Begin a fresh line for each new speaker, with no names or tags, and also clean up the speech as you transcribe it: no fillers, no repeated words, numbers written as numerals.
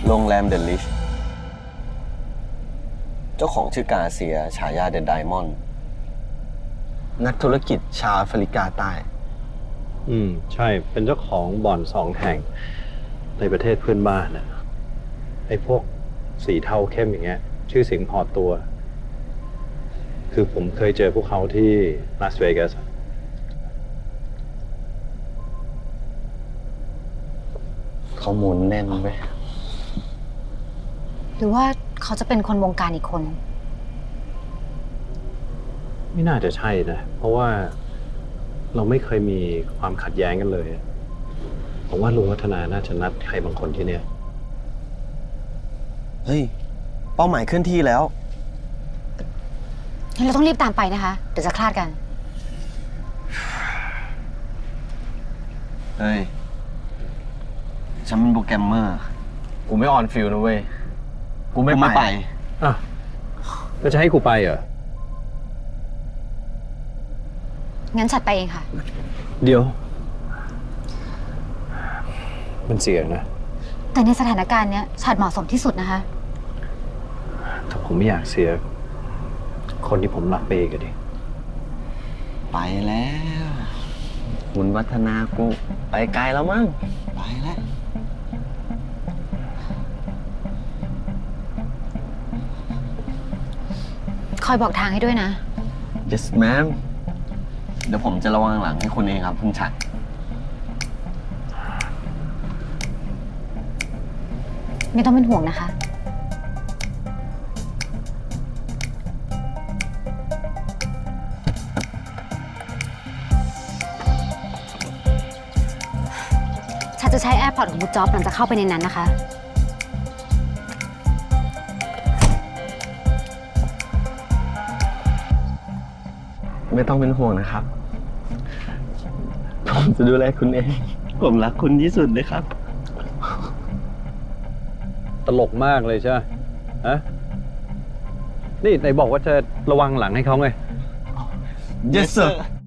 โรงแรมเดอะลิชเจ้าของชื่อกาเซียฉายาเดอะไดมอนด์
นักธุรกิจชาวแอฟริกาใต้
ใช่ เป็นเจ้าของบ่อน2 แห่งในประเทศเพื่อนบ้านนะไอ้พวกสีเทาเข้มอย่างเงี้ย ชื่อเสียงพอตัว คือผมเคยเจอพวกเขาที่ลาสเวกัส
ข้อมูลแน่นไป
หรือว่าเขาจะเป็นคนวงการอีกคน
ไม่น่าจะใช่นะ เพราะว่าเราไม่เคยมีความขัดแย้งกันเลย ผมว่าลุงวัฒนาน่าจะนัดใครบางคนที่เนี่ย
เฮ้ย เป้าหมายเคลื่อนที่แล้ว
งั้นเราต้องรีบตามไปนะคะ เดี๋ยวจะคลาดกัน
เฮ้ย ฉันเป็นโปรแกรมเมอร์
กูไม่ออนฟิลนะเว้ย กูไม่ไป
อ่ะแล้วจะให้กูไปเหรอ
งั้นฉัดไปเองค่ะ
เดี๋ยว มันเสี่ยงนะ
แต่ในสถานการณ์เนี้ยฉัดเหมาะสมที่สุดนะคะ
ถ้าผมไม่อยากเสีย คนที่ผมรักไปอีกอะดิ
ไปแล้ว
คุณวัฒนากูไปไกลแล้วมั้ง
ไปแล้ว
คอยบอกทางให้ด้วยนะ
yes ma'am
เดี๋ยวผมจะระวังหลังให้คุณเองครับคุณฉัด
ไม่ต้องเป็นห่วงนะคะ ฉันจะใช้แอร์พอร์ตของบูจ็อบหลังจากเข้าไปในนั้นนะคะ
ไม่ต้องเป็นห่วงนะครับ ผมจะดูแลคุณเอง ผมรักคุณที่สุดเลยครับ
ตลกมากเลยใช่ไหมฮะ นี่ไหนบอกว่าจะระวังหลังให้เขาไง
yes sir